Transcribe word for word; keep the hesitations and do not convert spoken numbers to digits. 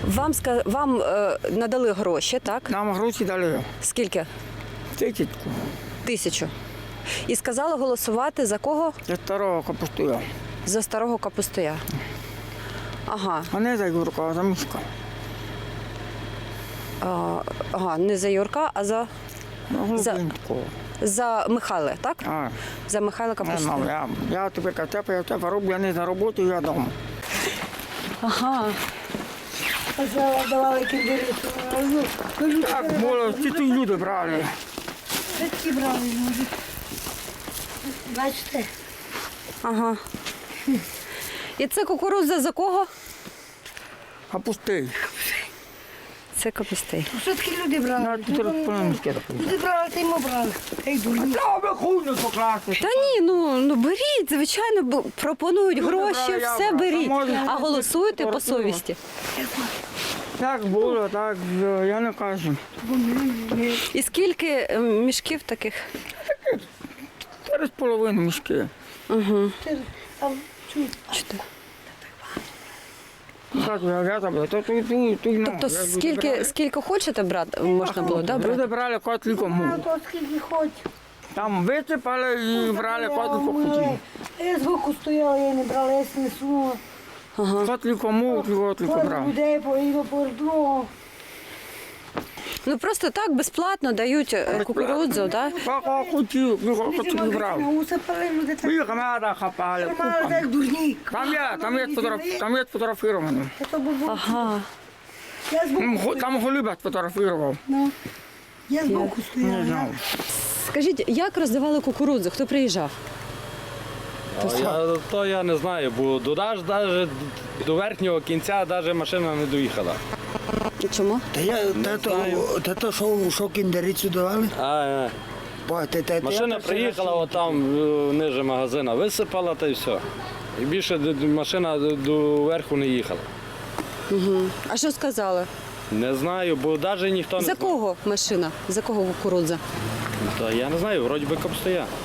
Вам ска... вам е, надали гроші, так? Нам гроші дали. Скільки? Тисячку. Тисячу. І сказали голосувати за кого? За старого капустуя. За старого капустуя. Ага. А не за Юрка, а за Мишка. А, ага, не за Юрка, а за, Ну, За- Глубинського. за Михайла, так? А, За Михайла не знаю, Капустуя. я, я тепер катепа, я тебе роблю, я не за роботу, я вдома. Ага. Давали кіндери. Так було, ці тут люди брали. Такі брали люди. Бачите? Ага. І це кукурудза за кого? А пустий. Це капустей. Що такі люди брали? На тут розповімське таке. Люди брали, та й ми брали. Та й дурні. Та ви хуйню покласти. Та ні, ну, ну беріть, звичайно, бо пропонують гроші, брали, я все брав. беріть. А може, А голосуйте по фотографувати? совісті. Так було, так, я не кажу. І скільки е, мішків таких? Три з половиною мішки. Там чують. Чотири. Так, я, я там, то тут, тут, тут, ну, Тобто я люди скільки, брали. скільки хочете брати, можна було, да, брати? Люди брали котлі А кому. то скільки хоч. Там висипали і брали котлі кому. Я збоку стояла, я не брала, я не сунула. Котлі кому, котлі Кожен брав. людей поїду по другого. Ну просто так безплатно дають е, кукурудзу, да? Кого хотів, кого хотів брав. Усипали люди так. Їх меда хапали, Мали купами. так дурні. Там є, там є, фотограф, там є фотографіровано. Це був Ага. Я Там, збоку го- там Голюбят фотографував. Ну, я збоку Не стояла. знав. Скажіть, як роздавали кукурудзу? Хто приїжджав? А Я, то я не знаю, бо до, аж, даже до верхнього кінця навіть машина не доїхала. Чому? Та я та то, та то що, що кіндерицю давали? А, е, Бо, та, та, машина я приїхала, отам е, ниже магазина, висипала та й все. І більше д- д- машина д- до верху не їхала. А що сказали? Не знаю, бо навіть ніхто не За знає. кого машина? За кого кукурудза? Та я не знаю, вроді би капстоя.